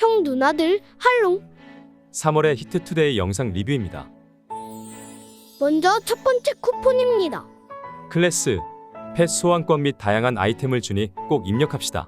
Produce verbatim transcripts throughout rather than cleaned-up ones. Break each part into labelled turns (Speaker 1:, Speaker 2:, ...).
Speaker 1: 형 누나들 할롱.
Speaker 2: 삼월의 히트투데이 영상 리뷰입니다.
Speaker 1: 먼저 첫 번째 쿠폰입니다.
Speaker 2: 클래스, 펫 소환권 및 다양한 아이템을 주니 꼭 입력합시다.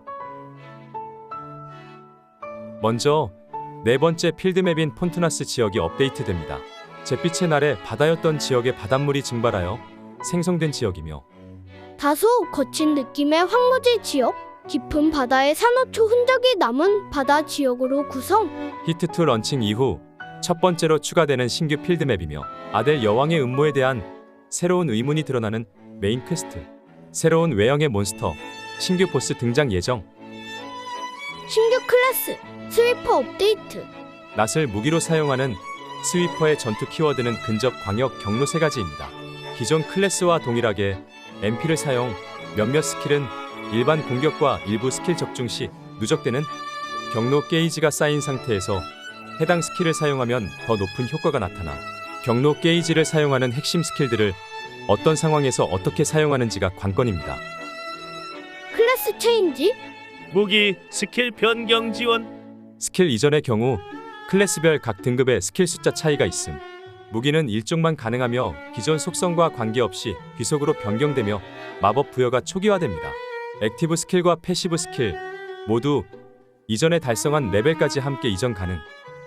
Speaker 2: 먼저 네 번째 필드맵인 폰투나스 지역이 업데이트됩니다. 잿빛의 날에 바다였던 지역의 바닷물이 증발하여 생성된 지역이며
Speaker 1: 다소 거친 느낌의 황무지 지역, 깊은 바다의 산호초 흔적이 남은 바다 지역으로 구성.
Speaker 2: 히트투 런칭 이후 첫 번째로 추가되는 신규 필드맵이며 아델 여왕의 음모에 대한 새로운 의문이 드러나는 메인 퀘스트, 새로운 외형의 몬스터, 신규 보스 등장 예정.
Speaker 1: 신규 클래스, 스위퍼 업데이트.
Speaker 2: 낫을 무기로 사용하는 스위퍼의 전투 키워드는 근접, 광역, 경로 세 가지입니다. 기존 클래스와 동일하게 엠피를 사용, 몇몇 스킬은 일반 공격과 일부 스킬 적중 시 누적되는 경로 게이지가 쌓인 상태에서 해당 스킬을 사용하면 더 높은 효과가 나타나 경로 게이지를 사용하는 핵심 스킬들을 어떤 상황에서 어떻게 사용하는지가 관건입니다.
Speaker 1: 클래스 체인지,
Speaker 3: 무기 스킬 변경 지원.
Speaker 2: 스킬 이전의 경우 클래스별 각 등급의 스킬 숫자 차이가 있음. 무기는 일종만 가능하며 기존 속성과 관계없이 귀속으로 변경되며 마법 부여가 초기화됩니다. 액티브 스킬과 패시브 스킬 모두 이전에 달성한 레벨까지 함께 이전 가능.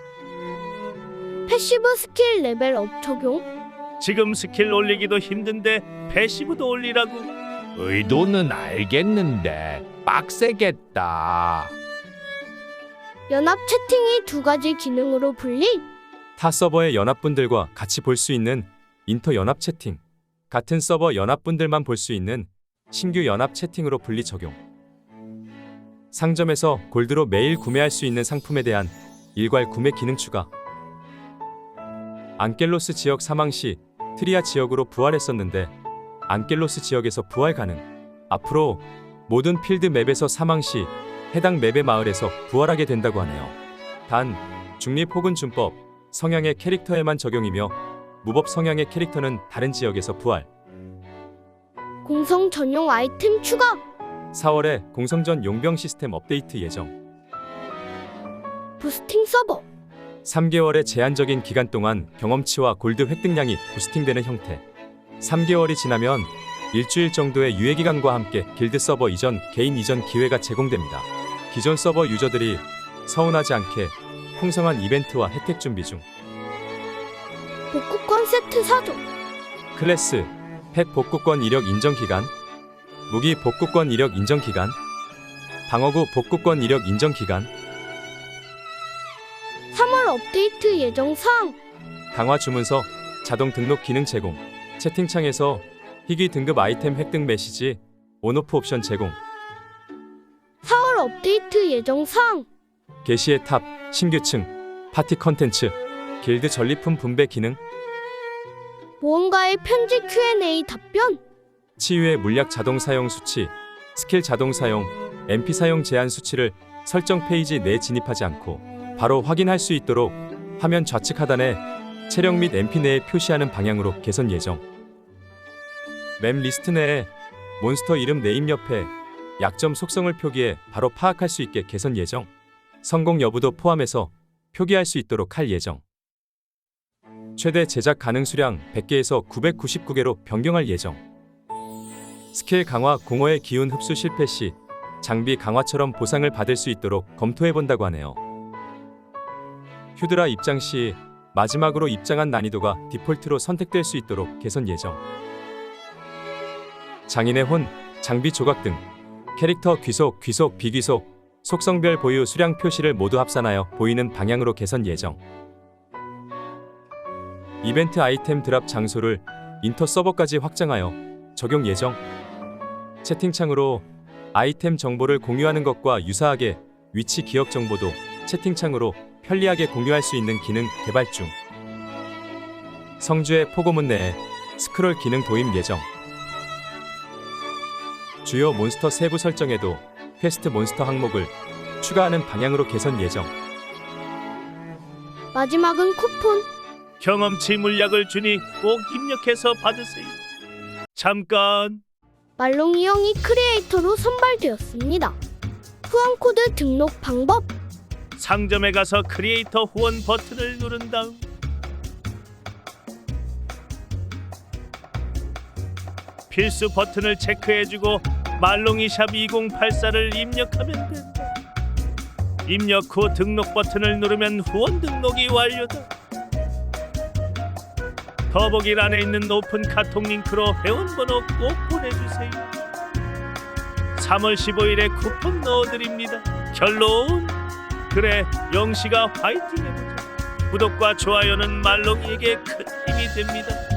Speaker 1: 패시브 스킬 레벨업 적용.
Speaker 3: 지금 스킬 올리기도 힘든데 패시브도 올리라고.
Speaker 4: 의도는 알겠는데 빡세겠다.
Speaker 1: 연합 채팅이 두 가지 기능으로 분리.
Speaker 2: 타 서버의 연합분들과 같이 볼 수 있는 인터 연합 채팅, 같은 서버 연합분들만 볼 수 있는 신규 연합 채팅으로 분리 적용. 상점에서 골드로 매일 구매할 수 있는 상품에 대한 일괄 구매 기능 추가. 안켈로스 지역 사망 시 트리아 지역으로 부활했었는데 안켈로스 지역에서 부활 가능. 앞으로 모든 필드 맵에서 사망 시 해당 맵의 마을에서 부활하게 된다고 하네요. 단, 중립 혹은 준법, 성향의 캐릭터에만 적용이며 무법 성향의 캐릭터는 다른 지역에서 부활.
Speaker 1: 공성 전용 아이템 추가.
Speaker 2: 사월에 공성전 용병 시스템 업데이트 예정.
Speaker 1: 부스팅 서버.
Speaker 2: 삼 개월의 제한적인 기간 동안 경험치와 골드 획득량이 부스팅되는 형태. 삼 개월이 지나면 일주일 정도의 유예기간과 함께 길드 서버 이전, 개인 이전 기회가 제공됩니다. 기존 서버 유저들이 서운하지 않게 풍성한 이벤트와 혜택 준비 중.
Speaker 1: 복구권 세트 사종.
Speaker 2: 클래스, 펫 복구권 이력 인정 기간, 무기 복구권 이력 인정 기간, 방어구 복구권 이력 인정 기간,
Speaker 1: 삼월 업데이트 예정 사항.
Speaker 2: 강화 주문서, 자동 등록 기능 제공, 채팅창에서 희귀 등급 아이템 획득 메시지, 온오프 옵션 제공,
Speaker 1: 사월 업데이트 예정 사항.
Speaker 2: 게시의 탑, 신규층, 파티 컨텐츠, 길드 전리품 분배 기능,
Speaker 1: 모험가의 편지 큐 앤 에이 답변.
Speaker 2: 치유의 물약 자동 사용 수치, 스킬 자동 사용, 엠피 사용 제한 수치를 설정 페이지 내에 진입하지 않고 바로 확인할 수 있도록 화면 좌측 하단에 체력 및 엠피 내에 표시하는 방향으로 개선 예정. 맵 리스트 내에 몬스터 이름 네임 옆에 약점 속성을 표기해 바로 파악할 수 있게 개선 예정. 성공 여부도 포함해서 표기할 수 있도록 할 예정. 최대 제작 가능 수량 백 개에서 구백구십구 개로 변경할 예정. 스킬 강화 공허의 기운 흡수 실패 시 장비 강화처럼 보상을 받을 수 있도록 검토해본다고 하네요. 휴드라 입장 시 마지막으로 입장한 난이도가 디폴트로 선택될 수 있도록 개선 예정. 장인의 혼, 장비 조각 등 캐릭터 귀속, 귀속, 비귀속, 속성별 보유 수량 표시를 모두 합산하여 보이는 방향으로 개선 예정. 이벤트 아이템 드랍 장소를 인터 서버까지 확장하여 적용 예정. 채팅창으로 아이템 정보를 공유하는 것과 유사하게 위치 기억 정보도 채팅창으로 편리하게 공유할 수 있는 기능 개발 중. 성주의 포고문 내에 스크롤 기능 도입 예정. 주요 몬스터 세부 설정에도 퀘스트 몬스터 항목을 추가하는 방향으로 개선 예정.
Speaker 1: 마지막은 쿠폰.
Speaker 3: 경험치 물약을 주니 꼭 입력해서 받으세요. 잠깐.
Speaker 1: 말롱이 형이 크리에이터로 선발되었습니다. 후원코드 등록 방법.
Speaker 3: 상점에 가서 크리에이터 후원 버튼을 누른 다음 필수 버튼을 체크해주고 말롱이샵 이공팔사를 입력하면 된다. 입력 후 등록 버튼을 누르면 후원 등록이 완료다. 더보기란에 있는 오픈 카톡 링크로 회원번호 꼭 보내주세요. 삼월 십오일에 쿠폰 넣어드립니다. 결론, 그래 영시가 화이팅 해보자. 구독과 좋아요는 말롱이에게 큰 힘이 됩니다.